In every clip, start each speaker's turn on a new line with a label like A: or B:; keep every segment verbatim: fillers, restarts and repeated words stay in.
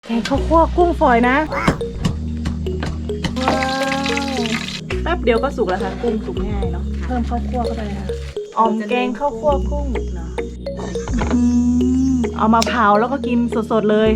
A: แกงข้าวคั่วกุ้งฝอยนะว้าวแป๊บเดียวก็สุกแล้วค่ะกุ้งสุกง่ายเนาะเพิ่มข้าวคั่วเข้าไปเลยค่ะออมแกงข้าวคั่วกุ้งเนาะเอามาเผาแล้วก็กินสดๆเลย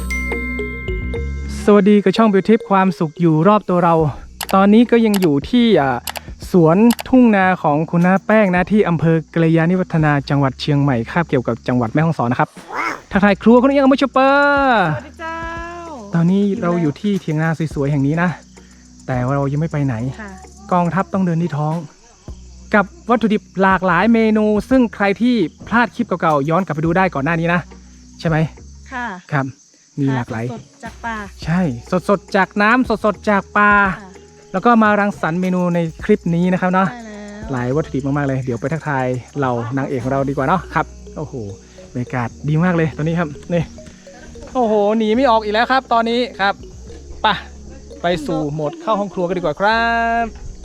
B: สวัสดีกับช่องบิวทิปความสุขอยู่รอบตัวเราตอนนี้ก็ยังอยู่ที่สวนทุ่งนาของคุณน้าแป้งนะที่อำเภอกัลยาณิวัฒนาจังหวัดเชียงใหม่คาบเกี่ยวกับจังหวัดแม่ฮ่องสอนนะครับทักทายครัวคุณยังไม่ชเปอร์
A: สวัสดีเจ้า
B: ตอนนี้เราอยู่ที่เถียงนาสวยๆแห่งนี้นะแต่ว่าเรายังไม่ไปไหนกองทัพต้องเดินที่ท้องกับวัตถุดิบหลากหลายเมนูซึ่งใครที่พลาดคลิปเก่าๆย้อนกลับไปดูได้ก่อนหน้านี้นะใช่ไหม
A: ค่ะ
B: ครับมีหลากหลาย
A: สดจากป่า
B: ใช่สดๆจากน้ำสดๆจากปลาแล้วก็มารังสรรค์เมนูในคลิปนี้นะครับเนาะหลายวัตถุดิบมากๆเลยเดี๋ยวไปทักทายเรานางเอกของเราดีกว่าเนาะครับโอ้โหบรรยากาศดีมากเลยตอนนี้ครับนี่โอ้โหหนีไม่ออกอีกแล้วครับตอนนี้ครับไปไปสู่โหมดเข้าห้องครัวกันดีกว่าครับ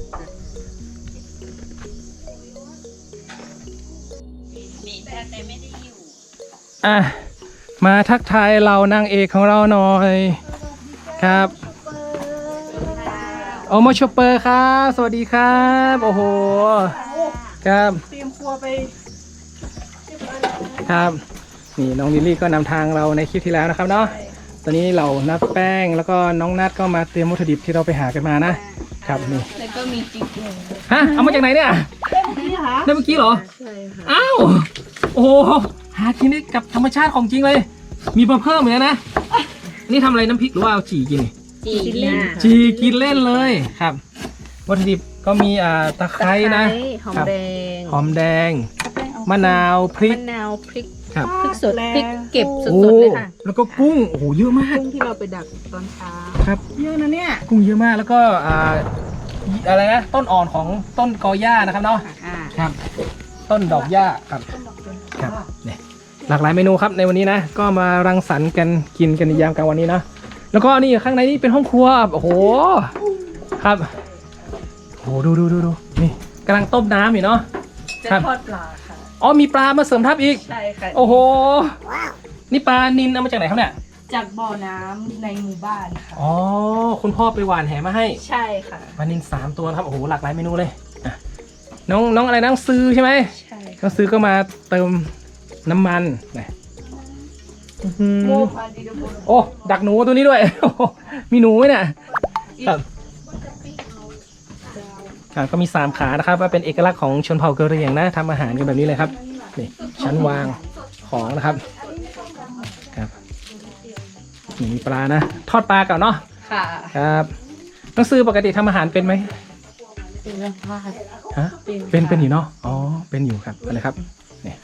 B: อ่ะมาทักทายเรานางเอกของเราหน่อยครับโอโมชเปอร์ครับสวัสดีครับโอ้โหครับ
A: เตรียมครัวไป
B: ครับนี่น้องลิลลี่ก็นำทางเราในคลิปที่แล้วนะครับเนาะตอนนี้เรานัดแป้งแล้วก็น้องนัดก็มาเตรียมวัตถุดิบที่เราไปหากันมานะครับนี่
C: แล้วก็มีจิ๊กเกอร์
B: ฮะเอามาจากไหนเนี่ย
A: ได้เมื่อกี้ค่ะ
B: ได้เมื่อกี้เหรอ
C: ใช่ค่ะ
B: อ้าวโอ้โหหากินได้กับธรรมชาติของจริงเลยมีมาเพิ่มเลยนะนี่ทำอะไรน้ำพริกหรือว่าเอาจีกิน
C: จีเล่น
B: จีกินเล่นเลยครับวัตถุดิบก็มีอ่าตะไคร้นะ
C: หอมแดง
B: หอมแดงมะนาวพริก
C: มะนาวพริก
B: ครับ
C: พริกสดพริกเก็บสดๆเลยค่ะ
B: แล้วก็กุ้งโอ้โหเยอะมาก
C: กุ้งที่เราไปดักตอนเช้า
B: ครับ
A: เยอะนะเนี่ย
B: กุ้งเยอะมากแล้วก็อ่าอะไรนะต้นอ่อนของต้นกอหญ้านะครับเนาะครับต้นดอกหญ้าครับครับเนี่ยหลากหลายเมนูครับในวันนี้นะก็มารังสรรค์กันกินกันในยามกลางวันนี้นะแล้วก็นี่ข้างในนี่เป็นห้องครัวโอ้โหครับโอ้โหดูดูดูดูนี่กำลังต้มน้ำอยู่เนาะ
A: จะทอดปลาค่ะ
B: อ๋อมีปลามาเสริมทับอีก
A: ใช่ค่ะ
B: โอ้โหนี่ปลานิลเอามาจากไหนครับเนี่ย
A: จากบ่อน้ำในหมู่บ้านค่ะ
B: อ๋อคุณพ่อไปหว่านแหมาให้
A: ใช่ค่ะ
B: ปลานิลสามตัวครับโอ้โหหลากหลายเมนูเลยน้องน้องอะไรน้องซื้อใช่ไหม
A: ใช่
B: น้องซื้อก็มาเติมน้ำมันนะโอ้ดักหนูตัวนี้ด้วยมีหนูไหมเนี่ยครับครับก็มีสามขานะครับว่าเป็นเอกลักษณ์ของชนเผ่ากะเหรี่ยงนะทำอาหารกันแบบนี้เลยครับนี่ชั้นวางของนะครับครับนี่มีปลานะทอดปลาก่อนเนาะ
A: ค่ะ
B: ครับน้องซื้อปกติทำอาหารเป็นไหม
C: เป็นเรื่องพลาด
B: ฮะเป็นเป็นอยู่เนาะอ๋อเป็นอยู่ครับอะไรครับนี่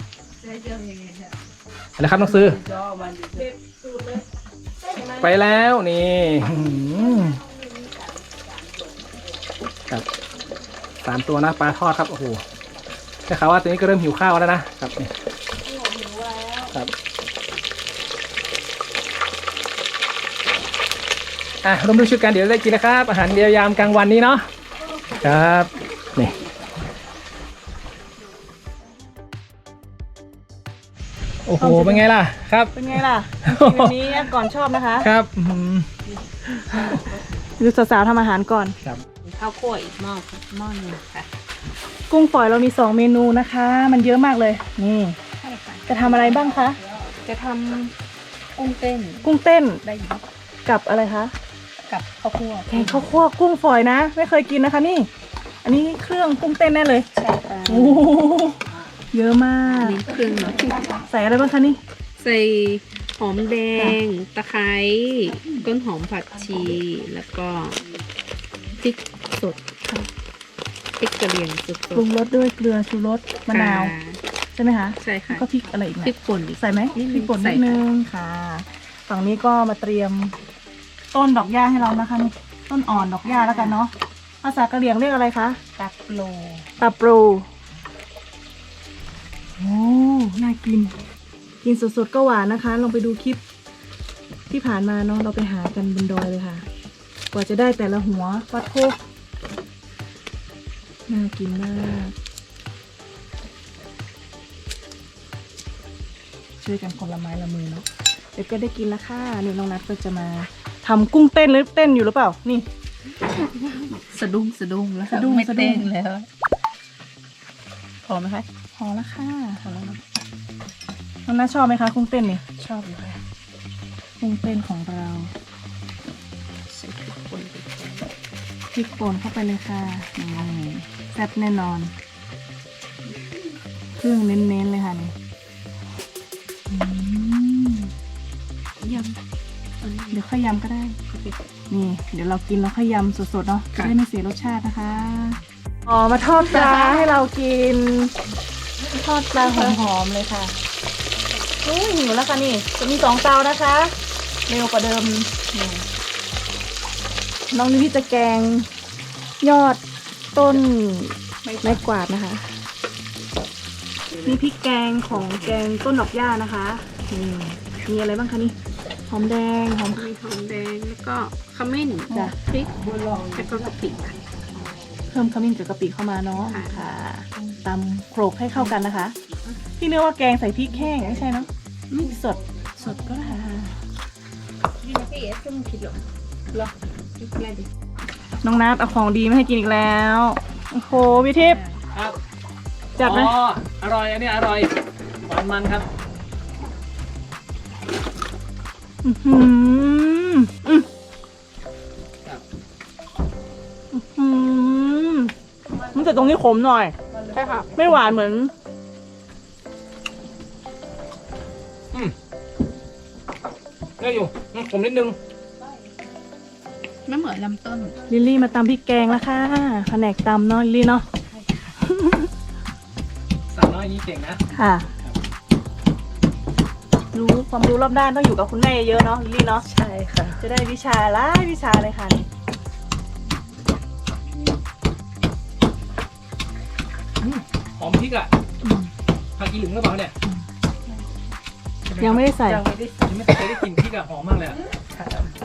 B: อะไรครับน้องซื้อไปแล้วนี่ครับสามตัวนะปลาทอดครับโอ้โหแต่ข่าวว่าตัวนี้ก็เริ่มหิวข้าวแล้วนะครับนี่ครับอ่ะร่วมด้วยช่วยกันเดี๋ยวได้กินนะครับอาหารเดียวยามกลางวันนี้เนาะครับนี่โอ้โหเป็นไงล่ะครับ
A: เป็นไงล่ะวันนี้ก่อนชอบนะคะ
B: ครับ
A: ดูสาวๆทำอาหารก่อน
B: ครับ
C: ข้าวคั่วอีกหม้อหม้อนึงค่ะ
A: กุ้งฝอยเรามีสองเมนูนะคะมันเยอะมากเลยนี่จะทำอะไรบ้างคะ
C: จะทำกุ้งเต้น
A: กุ้งเต้น
C: ได้อยู่
A: กับอะไรคะ
C: กับข้าวคั่ว
A: แกงข้าวคั่วกุ้งฝอยนะไม่เคยกินนะคะนี่อันนี้เครื่องกุ้งเต้นแน่เลย
C: ใช่ค่ะ
A: โอ้เยอะมาก
C: นี่เครื่องเนาะ
A: ใส่อะไรบ้างคะนี่
C: ใส่หอมแดงตะไคร้ต้นหอมผักชีแล้วก็พริกสดพริกกระเหรี่ยงสด
A: ปรุงรสด้วยเกลือชูรสมะนาวใช่ไหมคะ
C: ใช่ค่ะ
A: ก็พริกอะไรอีก
C: พริกป่น
A: ใส่ไหมพริกป่นนิดนึงค่ะฝั่งนี้ก็มาเตรียมต้นดอกหญ้าให้เรานะคะนี่ต้นอ่อนดอกหญ้าแล้วกันเนาะภาษากะเหรี่ยงเรียกอะไรคะ
C: ตาโปร
A: ตาโปรโอ้น่ากินกินสดๆก็หวานนะคะลองไปดูคลิปที่ผ่านมาเนาะเราไปหากันบนดอยเลยค่ะกว่าจะได้แต่ละหัววัดโคกน่ากินมากช่วยกันคนละไม้ละมือเนาะเดี๋ยวก็ได้กินแล้วค่ะนี่น้องนัทก็จะมาทำกุ้งเต้นหรือเต้นอยู่หรือเปล่านี่
C: สะดุ้งสะดุ้งแล้ว
A: สะดุ้ง
C: ไม่
A: สะดุ้
C: เต้
A: ง
C: นแล้ว
A: พอไหมคะพอแล้วค่ะพอแล้วนะน้องนัทชอบไหมคะกุ้งเต้นนี่
C: ชอบอยู่ค่ะ
A: กุ้งเต้นของเรา
C: ใส่พริกป่นไปก่อน
A: พริกป่นเข้าไปเลยค่ะนี่แซ่บแน่นอนเครื่องเน้นๆเลยค่ะนี่อืม
C: ยำอันนี้
A: เดี๋ยวค่อยยำก็ได้
C: ก็ไป
A: นี่ เดี๋ยวเรากินแล้วค่อยยำสดๆเนาะจะ
C: ค่ะ
A: ได้ไม่เสียรสชาตินะคะอ๋อมาทอดปลาให้เรากิน ทอดปลาหอมๆเลยค่ะโอ้ยหิวแล้วค่ะนี่ จะมีสองเตานะคะ เร็วกว่าเดิมนี่น้องนิพี่จะแกงยอดต้นไม้กวาดนะคะนี่พริกแกงของแกงต้นดอกหญ้านะคะนี่มีอะไรบ้างคะนี่หอมแดงหอม
C: มีหอมแดงแล้วก็ขมิ้น
A: จ้ะ
C: พริกแล้วก็กะปิค่ะ
A: เพิ่มขมิ้นกับกะปิเข้ามาเนาะ
C: ค่ะ
A: ค่ะตำโขลกให้เข้ากันนะคะพี่เนื้อว่าแกงใส่พริกแห้งไม่ใช่เนาะพริกสดสดก็ได้ค่ะ
C: นี่นะพี่เอสซึ่งผิดหรอหรอพริกอะไรดิ
A: น้องนัทเอาของดีมาให้กินอีกแล้วโอ้โหพี่ทิพย์
B: ครับ
A: จัดไหม
B: อ๋ออร่อยอันนี้อร่อยหวานมันครับ
A: อื้อหืออืม
B: ครับ
A: อื้อหือมันจะตรงนี้ขมหน่อย
C: ใช่ค่ะ
A: ไม่หวานเหมือน
B: อืมได้อยู่อืมผมนิดนึง
C: ไม่เหมือนลำต้น
A: ลิลลี่มาตำพริกแกงแล้วค่ะแผนกตำเนาะลิลลี่เนาะ
B: สาวน้อยนี้เก่งนะ
A: ค่ะ รู้ความรู้รอบด้านต้องอยู่กับคุณแม่เยอะเนาะลิลลี่เนาะ
C: ใช่ค่ะ
A: จะได้วิชาหลายวิชาเลยค่ะนี่
B: หอมพริกอ่ะผักอีหลึงหรือเปล่าเนี่ย
A: ยังไม่ได้ใส่
C: ยังไม่ได้
B: ยังไม่เคยได้กลิ่นพริกอ่ะหอมมากเลยอะ
C: ค่ะ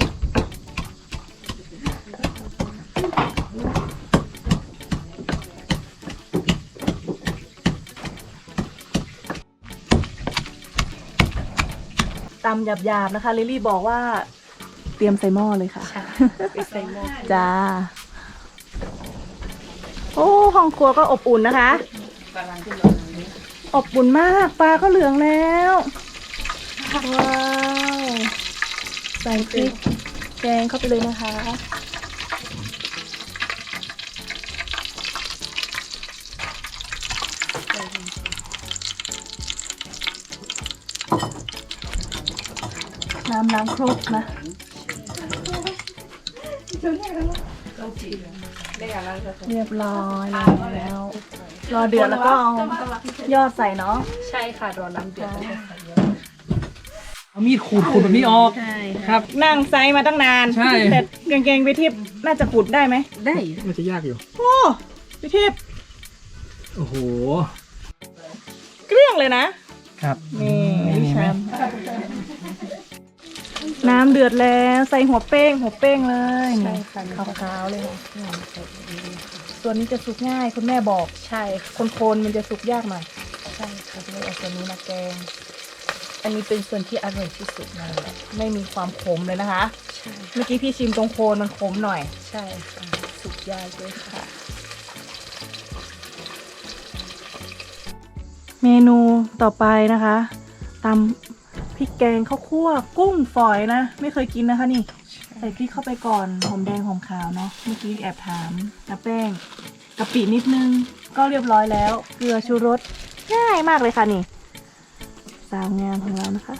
A: ตำหยาบๆนะคะลิลลี่บอกว่าเตรียมใส่หม้อเลยค่ะ
C: ใช่ไปใส่หม้อ
A: จ้า โอ้ห้องครัวก็อบอุ่นนะคะ
C: กำลังขึ้นร้อนนี้
A: อบอุ่นมากปลาก็เหลืองแล้วว้าวใส่พริกแกงเข้าไปเลยนะคะน้ำล้างครกนะ
C: ได้อะไรก็
A: เรียบร้อยแล้ว รอเดือดแล้วก็เอายอดใส่เนาะ
C: ใช่ค่ะรอน้ำเดือดแล้วก็ใส่เยอะ
B: เอามีดขูดขูดแบบนี้ออก
C: ใช่
B: ค
C: ค่ะ
B: รับ
A: นั่งไซส์มาตั้งนาน
B: ใช่
A: แต่กางเกงไปทิพย์น่าจะขุดได้ไหม
C: ได้
B: มันจะยากอยู่
A: โอ้ไปทิพย์
B: โอ้โห
A: เกลี้ยงเลยนะ
B: ครับ
A: นี่
B: เห็นไหม
A: ชามน้ำเดือดแล้วใส่หัวเป้งหัวเป้งเลย
C: ใช่
A: นี่
C: ค่ะ
A: ขาวๆเลยค่ะตัวนี้จะสุกง่ายคุณแม่บอก
C: ใช่ค่ะ
A: คนๆมันจะสุกยากหน่อย
C: ใช่ค่ะ
A: เลยเอาตัวนี้มาแกง
C: อันนี้เป็นส่วนที่อร่อยที่สุดเลย
A: ไม่มีความขมเลยนะคะ
C: ใช่
A: เมื่อกี้พี่ชิมตรงโคนมันขมหน่อย
C: ใช่ค่ะสุกยากด้วยค่ะ
A: เมนูต่อไปนะคะตำพริกแกงข้าวคั่วกุ้งฝอยนะ ไม่เคยกินนะคะนี่ ใส่พริกเข้าไปก่อนหอมแดงหอมขาวเนาะเมื่อกี้แอบถามน้าแป้งกะปินิดนึงก็เรียบร้อยแล้ว เกลือชูรสง่ายมากเลยค่ะนี่ สาวงามของเรานะคะ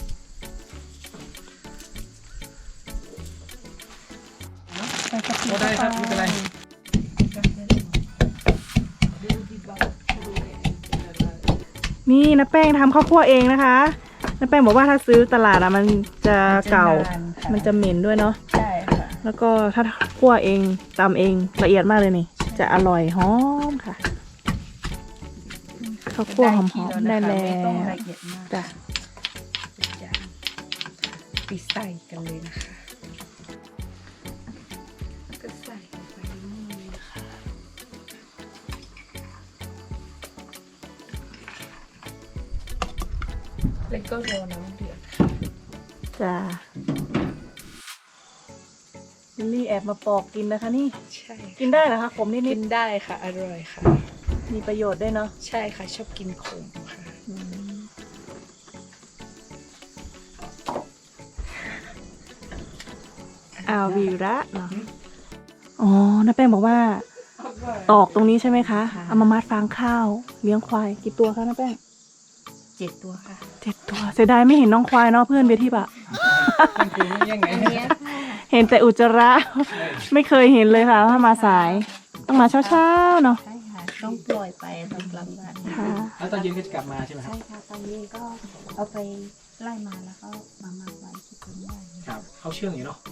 A: ใส่กะปิ
B: โอ้ได้ครับไม่เป็นไร
A: นี่น้าแป้งทำข้าวคั่วเองนะคะน้าแป้งบอกว่าถ้าซื้อตลาดอะมันจะเก่า มันจะเหม็นด้วยเนาะ
C: ใช่ค่ะ
A: แล้วก็ถ้าคั่วเองตำเองละเอียดมากเลยนี่ จะอร่อยหอมค่ะข้าวคั่วหอมๆได้แล้
C: ไม่ต้อง
A: ว
C: ละเอียดมาก
A: จ้ะ
C: ทุกอย่างไปใส่กันเลยนะคะก็ใส่ลงไปนี่นะคะแล้วก็รอน้ำเดือดค่ะ
A: จ้าลิลลี่แอบมาปอกกินนะคะนี่
C: ใช่
A: กินได้เหรอคะขมนิ
C: กิ
A: ด
C: นได้ค่ะ อร่อยค่ะ
A: ๆมีประโยชน์ด้วยเนาะ
C: ใช่ค่ะ ชอบกินขมค่ะ
A: อืมอาวีระเนาะอ๋อน้าแป้งบอกว่า ตอกตรงนี้ใช่ไหมคะ
C: ค่ะ
A: เอามามัดฟางข้าว เลี้ยงควายกี่ตัวคะน้าแป้ง
C: เจ็ดตัวค่ะ
A: เจ็ดตัว เสียดายไม่เห็นน้องควายเนาะเพื่อนเบียร์ทิพย์อะ
B: มันคือไม่ยังไง
C: อันเนี้ยค่ะ
A: เห็นแต่อุจจาระ ไม่เคยเห็นเลยค่ะถ้ามาสาย ต้องมาเช้าๆเนาะ
C: ใช่ค่ะ ต้องปล่อยไปตอนกลางวัน
A: ค่ะ
B: แล้วตอนเย็นก็จะกลับมาใช่ไหมครับ
C: ใช่ค่ะ ตอนนี้ก็เอาไปไล่มาแล้วก็มาหมักไว้ที่ต้นไม้
B: ครับเขาเชื่องอยู่เนาะ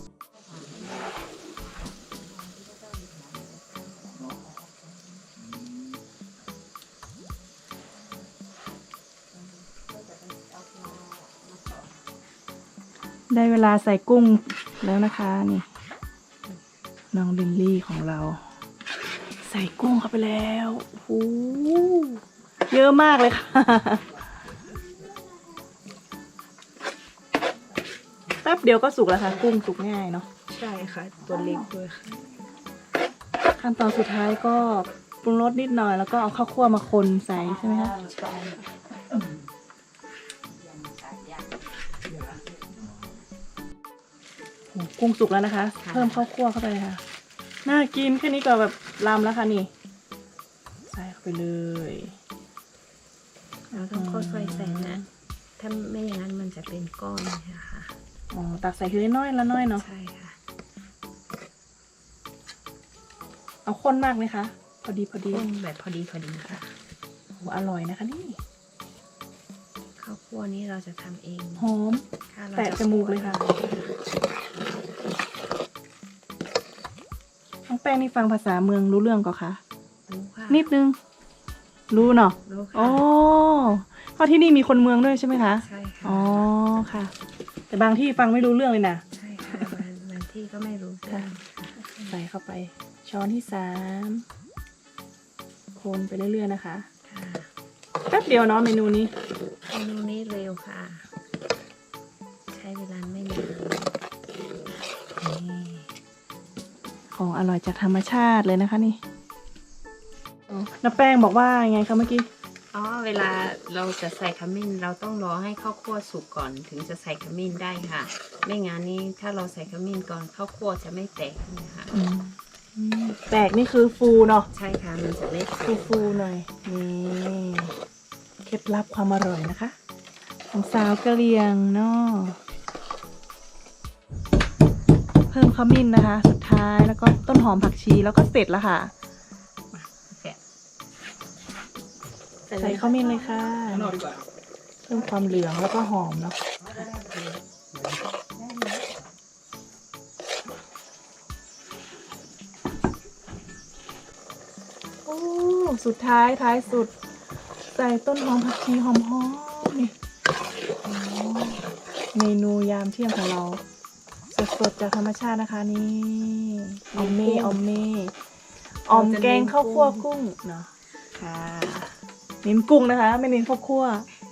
A: ได้เวลาใส่กุ้งแล้วนะคะนี่น้องลิลลี่ของเรา ใส่กุ้งเข้าไปแล้วโอ้โหเยอะมากเลยค่ะ แป๊บเดียวก็สุกแล้วค่ะกุ้งสุกง่ายเนาะ
C: ใช่ค่ะ ตัวเล็กด้วยค่ะ
A: ขั้นตอนสุดท้ายก็ปรุงรสนิดหน่อยแล้วก็เอาข้าวคั่วมาคนใส่ใช่ไหมคะ
C: ใช่
A: โอ้โหกุ้งสุกแล้วนะคะ เพิ่มข้าวคั่วเข้าไปเลยค่ะน่ากินแค่นี้ก็แบบลำแล้วค่ะนี่ใส่เข้าไปเลย
C: เราต้องค่อยๆใส่นะ ถ้าไม่อย่างนั้นมันจะเป็นก้อนนะคะ
A: อ๋อตักใส่ทีละน้อยละน้อยเนาะ
C: ใช่ค่ะ
A: เอาข้นมากไหมคะ พอดีพอดี
C: ต้มแบบพอดีพอดีค่ะ
A: โอ้อร่อยนะคะนี่
C: ข้าวคั่วนี้เราจะทำเอง
A: หอม
C: ค่ะเรา
A: แตะจมูกเลยค่ะ น้องแป้งนี่ฟังภาษาเมืองรู้เรื่องก็คะ
C: รู้ค่ะ
A: นิดนึง รู้เนาะ
C: รู้
A: อ๋อ
C: ค่ะ
A: เพราะที่นี่มีคนเมืองด้วยใช่ไหมคะ
C: ใช่ค่ะ
A: อ๋อค่ะ แต่บางที่ฟังไม่รู้เรื่องเลยนะ
C: ใช่ค่ะบางบางที่ก็ไม่รู้
A: ค่ะ ใส่เข้าไป ช้อนที่สามคนไปเรื่อยๆนะคะ
C: ค่ะ
A: แป๊บเดียวเนาะเมนูนี้
C: เมนูนี้เร็วค่ะ ใช้เวลาไม่นาน
A: นี่ของอร่อยจากธรรมชาติเลยนะคะนี่อ๋อน้าแป้งบอกว่าไงคะเมื่อกี้
C: อ๋อ เวลาเราจะใส่ขมิ้นเราต้องรอให้ข้าวคั่วสุกก่อนถึงจะใส่ขมิ้นได้ค่ะ ไม่งั้นนี่ถ้าเราใส่ขมิ้นก่อนข้าวคั่วจะไม่แตกนะคะ
A: อืมอืมแตกนี่คือฟูเนาะ
C: ใช่ค่ะมันจะไม่
A: ฟูฟูๆหน่อย นี่เคล็ดลับความอร่อยนะคะ ของสาวกะเหรี่ยงเนาะเพิ่มขมิ้นนะคะ สุดท้ายแล้วก็ต้นหอมผักชีแล้วก็เสร็จแล้วค่ะ
C: แกะ
A: ใส่ขมิ้นเลยค่ะ
B: ข้างนอกดีกว่า
A: เพิ่มความเหลืองแล้วก็หอมเนาะโอ้สุดท้ายท้ายสุด ใส่ต้นหอมผักชีหอมๆนี่โอ้เมนูยามเที่ยงของเรา สดๆจากธรรมชาตินะคะนี่ออมเม่ออมเม่ออมแกงข้าวคั่วกุ้งเนาะค่ะเน้นกุ้งนะคะ ไม่เน้นข้าวคั่ว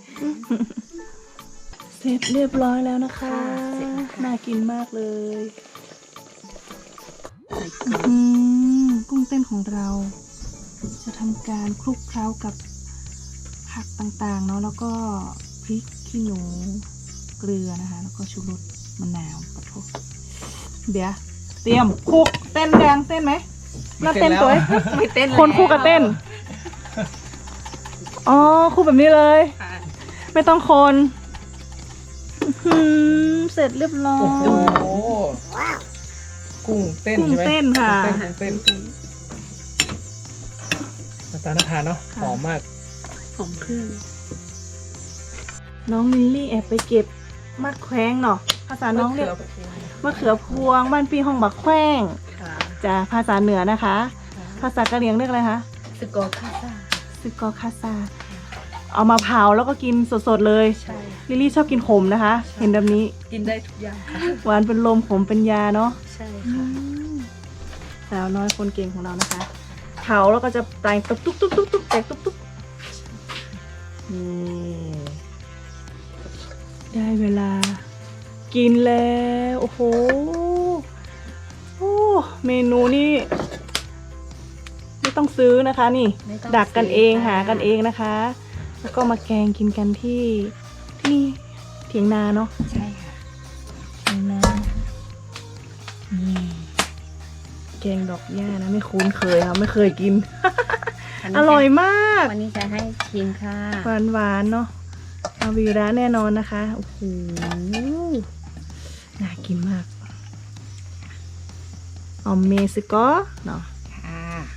A: เสร็จเรียบร้อยแล้วนะคะ
C: เสร็จแล้วค่ะ
A: น่ากินมากเลยอืมกุ้งเต้นของเรา จะทำการคลุกเคล้ากับผักต่างๆเนาะแล้วก็พริกขี้หนูเกลือนะคะ แล้วก็ชูรสมะนาวขอโทษเดี๋ยวเตรียมคลุกเต้นแดงเต้นไหมน่าเต้นตัวเอง
C: ไม่เต้น
A: คนคู่กับเต้น อ๋อคู่แบบนี้เลย
C: ค่ะ
A: ไม่ต้องคนอื้อหือเสร็จเรียบร้อ
B: โอ้โห
A: ย
B: กุ้งเต้น
A: กุ้ง
B: ใช่ไหม
A: เต้นค่ะ
B: กุ้งเต้นกุ้งเต้นหน้าตาน่าทานเนาะ
A: ค่ะ
B: หอมมาก
C: หอมเครื่อง
A: น้องลิลลี่แอบไปเก็บมัดแขวงเนาะภาษาน้องเรียกมะเขือพวงบ้านปีห้องบักแขวง
C: ค่ะ
A: จ้ะภาษาเหนือนะคะ ภาษากะเหรี่ยงเรียกอะไรคะ
C: สโกคาซ่า
A: ซึกอคาซาเอามาเผาแล้วก็กินสดๆเลย
C: ใช่
A: ลิลลี่ชอบกินขมนะคะ เห็นแบบนี้
C: กินได้ทุกอย่างค่ะ
A: หวานเป็นลมขมเป็นยาเนาะ
C: ใช่ค่ะ
A: สาวน้อยคนเก่งของเรานะคะเผาแล้วก็จะแตกตุ๊บตุ๊บตุ๊บตุ๊บตุ๊บแตกตุ๊บตุ๊บนี่ได้เวลากินแล้วโอ้โหโอ้เมนูนี่ไม่ต้องซื้อนะคะนี่
C: ไม่ต้อง
A: ดักกันเอง
C: ซื้อค่ะ
A: หากันเองนะคะ แล้วก็มาแกงกินกันที่ที่เถียงนาเนาะ
C: ใช่ค่ะ
A: เถียงนานี่แกงดอกหญ้านะไม่คุ้นเคยค่ะไม่เคยกิน อร่อยมาก
C: วันนี้จะให้ชิมค่ะ
A: หวานหวานๆเนาะอาวีระแน่นอนนะคะโอ้โหน่ากินมากออมเมซิโกเนาะ
C: ค่ะ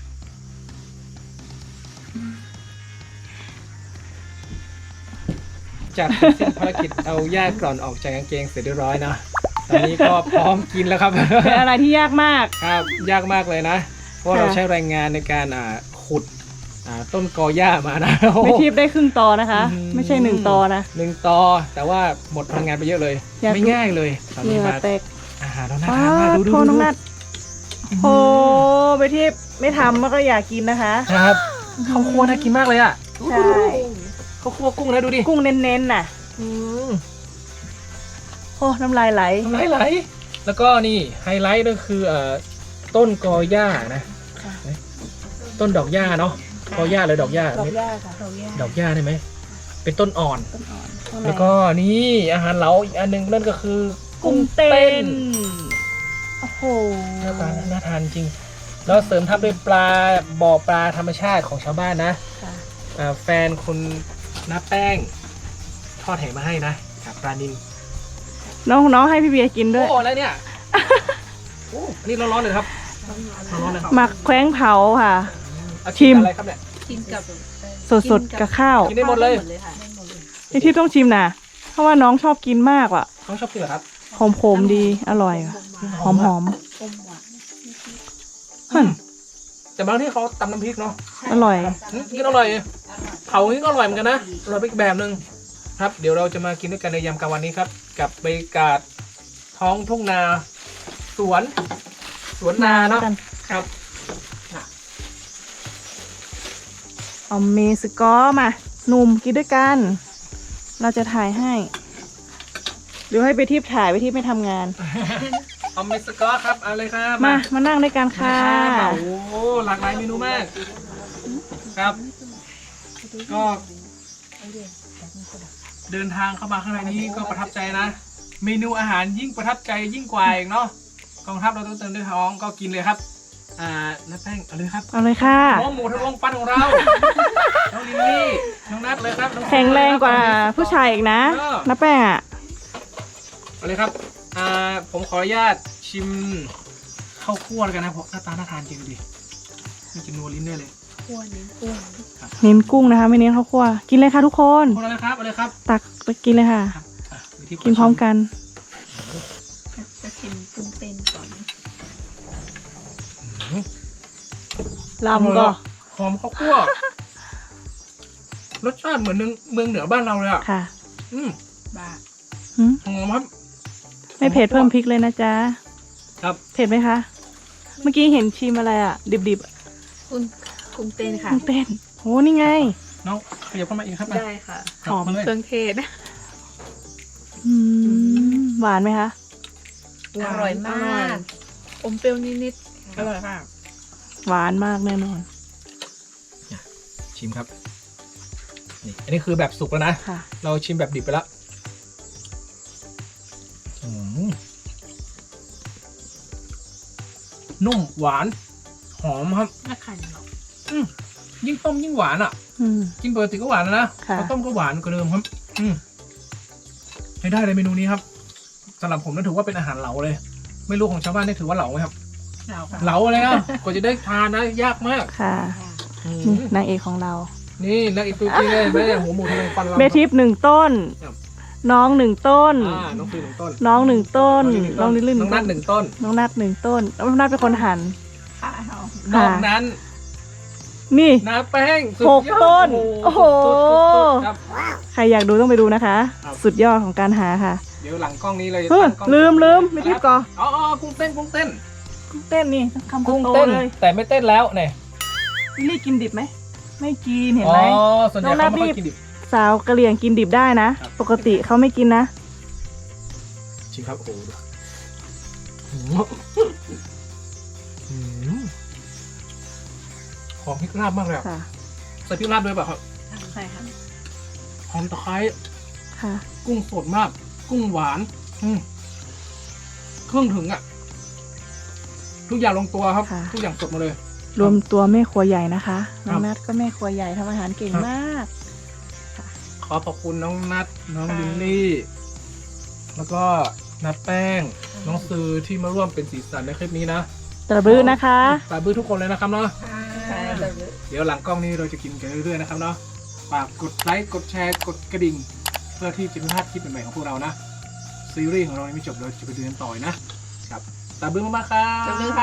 B: จัดเสร็จสิ้นภารกิจเอาหญ้ากร่อนออกจากกางเกงเสร็จเรียบร้อยนะตอนนี้ก็พร้อมกินแล้วครับ
A: เป็นอะไรที่ยากมาก
B: ครับยากมากเลยนะ เพราะเราใช้แรงงานในการอ่าขุดอ่าต้นกอหญ้ามานะ
A: ไม่ทิพย์ได้ครึ่งตอนะคะ
B: อืม
A: ไม่ใช่หนึ่งตอนะ
B: หนึ่งตอแต่ว่าหมดพลังงานไปเยอะเลย
A: อยาก
B: ไม่ง่ายเลยตอน
A: เห
B: นี้
A: งื่อ
B: มา
A: แตก
B: อาหารเราน่า
A: ป้า
B: ทานมากดูดู
A: โทษน้
B: ดู
A: องนัดโอ้ไปทิพย์ไม่ทำมันก็อยากกินนะคะ
B: ครับข้าวคั่วน่ากินมากเลยอ่ะ
A: ใช่
B: ข้าวคั่วกุ้งนะดูดิ
A: กุ้งเน้นๆน่ะ
B: อืม
A: โอ้น้ำลายไหล
B: ไหลไหลแล้วก็นี่ไฮไลท์ก็คือเอ่อต้นกอหญ้านะต้นดอกหญ้าเนาะกอหญ้าหรือดอกหญ้า
A: ดอกหญ้าค่ะดอกหญ้า
B: ดอกหญ้าได้ไหมเป็นต้นอ่อน
A: ต้นอ่อนข้างใน
B: แล้วก็นี่อาหารเหลาอีกอันหนึงนั่นก็คือ
A: กุ้งเต้นโอ้โห
B: หน้าตาน่าทานจริง แล้วเสริมทับด้วยปลาบ่อปลาธรรมชาติของชาวบ้านนะ
A: ค่ะ
B: อ่าแฟนคุณน้าแป้งทอดแห่มาให้นะกับปลานิล
A: น้องน้องให้พี่เบียร์กินด้วย
B: โอ้แล้วเนี่ยโอ้อันนี้ร้อนๆเลยครับร้อนๆเลยครับ
A: หมักแคว้งเผาค่ะ
B: เอา
A: ชิม
B: อะไรครับเนี่ย
C: กินกับ
A: สดๆกับข้าว
B: กินได้หมดเลย
C: ค่ะ
A: นี่ที่ต้องชิมนะเพราะว่าน้องชอบกินมากว่ะ
B: น้องชอบกินเหรอครับ
A: หอมๆมดีอร่อยว่ะหอมหอม
C: อมหวาน
A: ๆฮึ่น
B: แต่บางที่เขาตำน้ำพริกเนาะ
A: อร่อย
B: อืมกินอร่อยเผานี่ก็อร่อยเหมือนกันนะอร่อยไปอีกแบบหนึ่งครับ เดี๋ยวเราจะมากินด้วยกันในยามกลางวันนี้ครับ กับบรรยากาศท้องทุ่งนา สวน สวนนาเนาะ
A: กัน
B: ครับ
A: เอาเมสกอมาหนุ่มกินด้วยกัน เราจะถ่ายให้หรือให้ไปทิพย์ถ่ายไปทิพย์ไม่ทำงาน
B: เอาเมสกอครับเอาเลยครับ
A: มา มานั่งด้วยกันค่ะ
B: โอ้โหหลากหลายเมนูมาก ครับ ก็เดินทางเข้ามาข้างในนี้ก็ประทับใจนะ เมนูอาหารยิ่งประทับใจยิ่งกว่าอีกเนาะกองทัพเราต้องเติมด้วยท้องก็กินเลยครับ อ่าน้าแป้งเอาเลยครับ
A: เอาเลยค่ะ
B: น้องหมูทะลวงฟันของเรา น้องลิลลี่น้องนัทเลยครับน้อ
A: แข็งแรงกว่าผู้ชายอีกนะน้าแป้งอ่ะ
B: เอาเลยครับ อ่าผมขออนุญาตชิมข้าวคั่วแล้วกันนะเพราะหน้าตาน่าทานจริงดูดินี่จะนัวลิ้นได้เลย
C: คั่วนี้กุ้ง
A: เน้นกุ้งนะคะ ไม่เน้นข้าวคั่วกินเลยค่ะทุกคน
B: เอาเลยครับเอาเลยครับ
A: ตักไปกินเลยค่ะ
B: ครับอ่ะวิธี
A: กินพร้อมกัน
C: จะชิมกุ้งเต้นก่อน
A: ลำก็
B: หอมข้าวคั่ว รสชาติเหมือนเมืองเมืองเหนือบ้านเราเลยอ่ะ
A: ค่ะ
B: อืม
C: บ้า
A: หืม
B: หอมครับ
A: ไม่เผ็ดเพิ่มพริกเลยนะจ๊ะ
B: ครับ
A: เผ็ดไหมคะ เมื่อกี้เห็นชิมอะไรอ่ะ ดิบๆอะ
C: กุ้งกุ้งเต้นค่ะ
A: กุ้งเต้นโหนี่ไง
B: น้องขยับเข้ามาอีกครับ
C: ได้ค่ะ
B: ครับ
C: หอม
B: มาเลย
C: เครื่องเทศ
A: อืมหวานไหมคะ
C: อร่อยมากอมเปรี้ยวนิดๆอร่อยค่ะ
A: หวานมากแน่นอน
B: ชิมครับนี่อันนี้คือแบบสุกแล้วนะ
A: ค่ะ
B: เราชิมแบบดิบไปแล้วอืมนุ่มหวาน หอมครับ
C: น่าขันเนาะ
B: อืมยิ่งต้มยิ่งหวานอ่ะ
A: อืม
B: กินปกติก็หวานแล้วนะ
A: ค่ะ
B: พอต้มก็หวานกว่าเดิมครับ อืมใช้ได้เลยเมนูนี้ครับสำหรับผมนั่นถือว่าเป็นอาหารเหลาเลย ไม่รู้ของชาวบ้านนี่ถือว่าเหลาไหมครับ
C: เราค่ะ
B: เหลาอะไรอ่ะ กว่าจะได้ทานนะยากมาก
A: ค่ะ
B: อื
A: นี่
B: ม
A: นางเอกของเรา
B: นี่นักอีกตัวจริงเลยแม่หัวหมูทะเลฟันเรา
A: เบทิปหนึ่งต้น
B: ครับ
A: น้องหนึ่งต้น
B: อ่าน้องฟิวหนึ่งต้น
A: น้องหนึ่งต้น น้
B: น้
A: อ
B: อง ง
A: ลิ
B: ลิ
A: ล
B: ล
A: ลี่
B: ลี่น้องนัทหนึ่งต้น
A: น้องนัดหนึ่งต้นน้องนัดเป็นคนหั่น
C: ค่ะ
B: นอกนั้น
A: นี่
B: น้าแป้งสุด
A: หก
B: ยอด
A: ต้นโอ้โห
B: สุดๆครับ
A: ใครอยากดูต้องไปดูนะคะ
B: ครับ
A: สุดยอดของการหาค่ะ
B: เดี๋ยวหลังกล้องนี้เราจะ
A: เฮ้ย
B: ตั้งกล้อง
A: ลืมลืมไม่ทิปก่อน
B: อ๋ออ๋อกุ้งเต้นกุ้งเต้น
A: กุ้งเต้นนี่คำ
B: กุ้ง
A: โต
B: เต้น
A: เลย
B: แต่ไม่เต้นแล้วเนี่ย
A: ลิลลี่กินดิบไหมไม่กินเห็น
B: อ๋อ
A: ไหม
B: ส่วนใหญ่
A: น้องนั
B: เขา
A: ท
B: ไม่ค่อย
A: นี่
B: กินดิบ
A: สาวกะเหรี่ยงกินดิบได้นะ
B: ครับ
A: ปกติเขาไม่กินนะ
B: จริงครับโอ้โหดูหืมหืมหอมพริกลาบมากเลยอะ
A: ค่ะ
B: ใส่พริกลาบด้วยเปล่ะครับ
C: ใช่ค่ะ
B: หอมตะไคร้
A: ค่ะ
B: กุ้งสดมาก กุ้งหวาน อืมเครื่องถึงอ่ะ ทุกอย่างลงตัวครับ
A: ค่ะ
B: ทุกอย่างสดมาเลย
A: รวมตัวแม่ครัวใหญ่นะคะ
B: ค
A: น้
B: รั
A: อบ งนัทก็แม่ครัวใหญ่ทำอาหารเก่ง
B: ครับ
A: มาก
B: ขอขอบคุณน้องนัทน้อง
A: ค่ะ
B: ลินลี่ แล้วก็นัทแป้ง น้องซือที่มาร่วมเป็นสีสันในคลิปนี้นะ
A: ตระบื้อนะคะ
B: ตาบื้อทุกคนเลยนะครับเนาะ
C: ใช่
B: เดี๋ยวหลังกล้องนี้เราจะกินกันเรื่อยๆนะครับเนาะฝากกดไลค์ กดแชร์ กดกระดิ่ง เพื่อที่จะไม่พลาดคลิปใหม่ๆของพวกเรานะ ซีรีส์ของเรายังไม่จบเราจะไปดูกันต่ออีกนะครับตาบื้อมากๆครับ
C: จบเลยค่ะ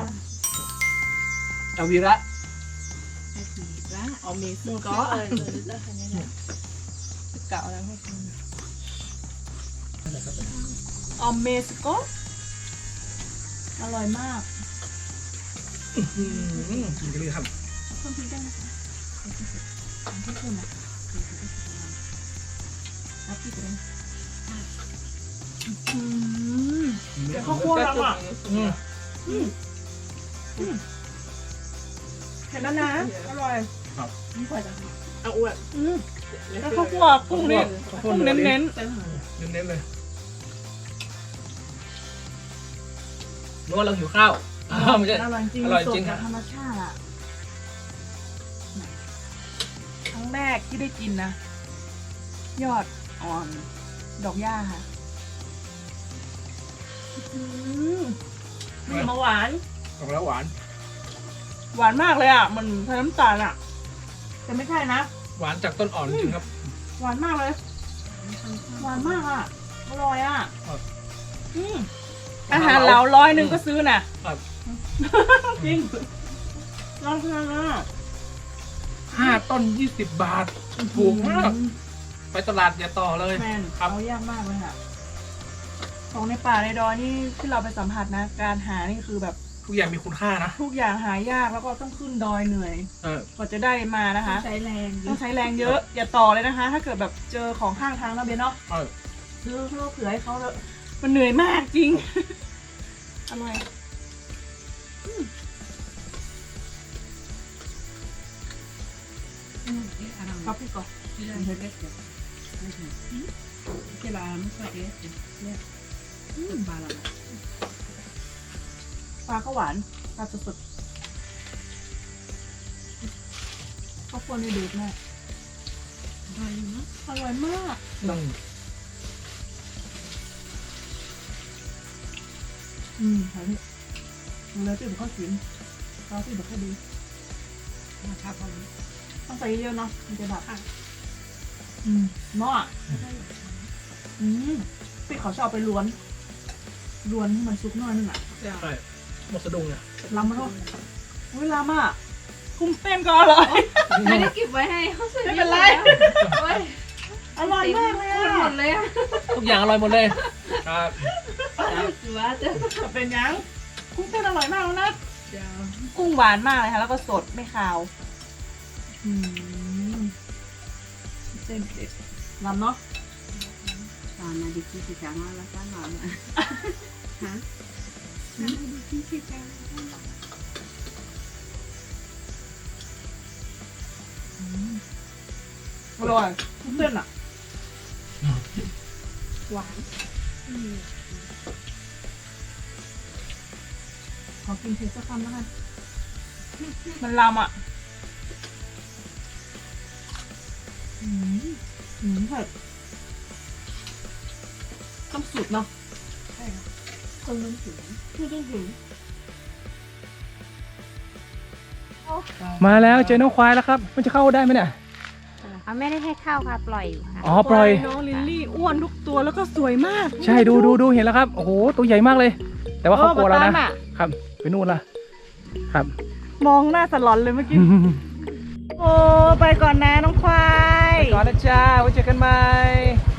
B: เอาวีระ
C: เอาเมสก็เก่าแล้วให้คุณ
A: ออมเมสโกอร่อยมาก
B: อืมกินกันเลยครับ
A: เพิ่มพริกได้นะคะที่คุณนะรับพริกเลยอืม เดี๋ยวข้าวคั่วทำอ่ะ
B: อืม
A: เห็นแล้วนะ อร่อย
B: ครับ
A: นี่กว่าจะ
C: เอาอ้วน
A: อืมแล้วข้าวคั่วกุ้งนี่กุ้งเน้น
B: เน้นๆเลยนึกว่าเราหิวข้าวอ้าวไม่ใช่
A: ๆอร่อยจริง
B: อร่อยจริง
A: สดจากธรรมชาติอ่ะครั้งแรกที่ได้กินนะ ยอดอ่อน ดอกหญ้าค่ะอืมมีมาหวาน
B: ออกแล้วหวาน
A: หวานมากเลยอ่ะ มันใช้น้ำตาลอ่ะ แต่ไม่ใช่นะ
B: หวานจากต้นอ่อนจริงครับ
A: หวานมากเลย หวานมากอ่ะ อร่อยอ่ะ
B: ครับ
A: อืมอาหารเหลาร้อยหนึ่งก็ซื้อน่ะ
B: ครับ
A: จริงลองทานนะ
B: ห้าต้นยี่สิบบาท ถูกมาก ไปตลาดอย่าต่อเลย
A: แมน
B: ครับ
A: เอายากมากเลยค่ะ ของในป่าในดอยนี่ที่เราไปสัมผัสนะ การหานี่คือแบบ
B: ทุกอย่างมีคุณค่านะ
A: ทุกอย่างหายากแล้วก็ต้องขึ้นดอยเหนื่อย
B: เออก
A: ว่าจะได้มานะคะ
C: ใช้แรงเย
A: ต้อง
C: อะ
A: ใช้แรงเยอะ อย่าต่อเลยนะคะ ถ้าเกิดแบบเจอของข้างทางนะเบนเนาะ
B: เออ
A: ซื้อเพื่อเผื่อให้เขาเลยมันเหนื่อยมากจริง อร่อยอืมครับพี่ก่อนปลาก็หวานปลาสดๆข้าวโพดนี่ดูดมากอร่อยมาก
B: ต้อง
A: อืมใช่พี่ดูแล้วตื่นข้าวกินข้าวที่แบบข้าวดีต้องใส่เยอะๆเนาะมันจะแบบอืมหม้ออ่ะอืมพี่เขาชอบไปล้วนล้วนให้มันซุกน้อยนึงอ่ะ
B: ใช่หมดสะดุ้งเนี่ย
A: ล้ำมาเท่าเวลามากคุ้มเต้นก็อร่อย
C: ไม่ได้เก็บไว้ให้เขาซื้อ
A: ไม่เป็นไร
C: โอ้ย
A: อร่อยมากเลยอ่ะ
C: หมดเลยอ่ะ
B: ทุกอย่างอร่อยหมดเลย ครับ
C: ถือว่าจะ
A: จะเป็นยังกุ้งเต้นอร่อยมากแล้วนะ
C: เดี๋ยว
A: กุ้งหวานมากเลยค่ะ แล้วก็สดไม่คาวอืมเส้นเด็ดลำเนาะ
C: ตอนนาดิคิสิจังว่าแล้วก็หลอนอ่ะฮะนาดิคิสิจัง
A: อร่อยกุ้งเต้นอ่ะ
C: หวาน
A: ขอกินเผ็ดสักคำแล้วกันมันลำอ่ะอืมอืมเผ็ดต้องสุดเนาะ
C: ใช่ค่ะคนมันถึง
A: ไม่ต้องถึง
B: มาแล้วเจอน้องควายแล้วครับ มันจะเข้าได้ไหมเนี่ย
D: เอาไม่ได้ให้เข้าค่ะ ปล่อยอยู่ค่ะ
B: อ๋อ ปล่อย
A: น้องลิลลี่อ้วนทุกตัวแล้วก็สวยมาก
B: ใช่ดูดูดูเห็นแล้วครับ โอ้โห ตัวใหญ่มากเลย แต่ว่าเขากลัวแล้วนะ
A: เออมาตามอะ
B: ครับ ไปนู่นละครับ
A: มองหน้าสลอนเลยเมื่อกี้ โอ้ ไปก่อนนะน้องควาย
B: ก่อนนะจ้า ไว้เจอกันใหม่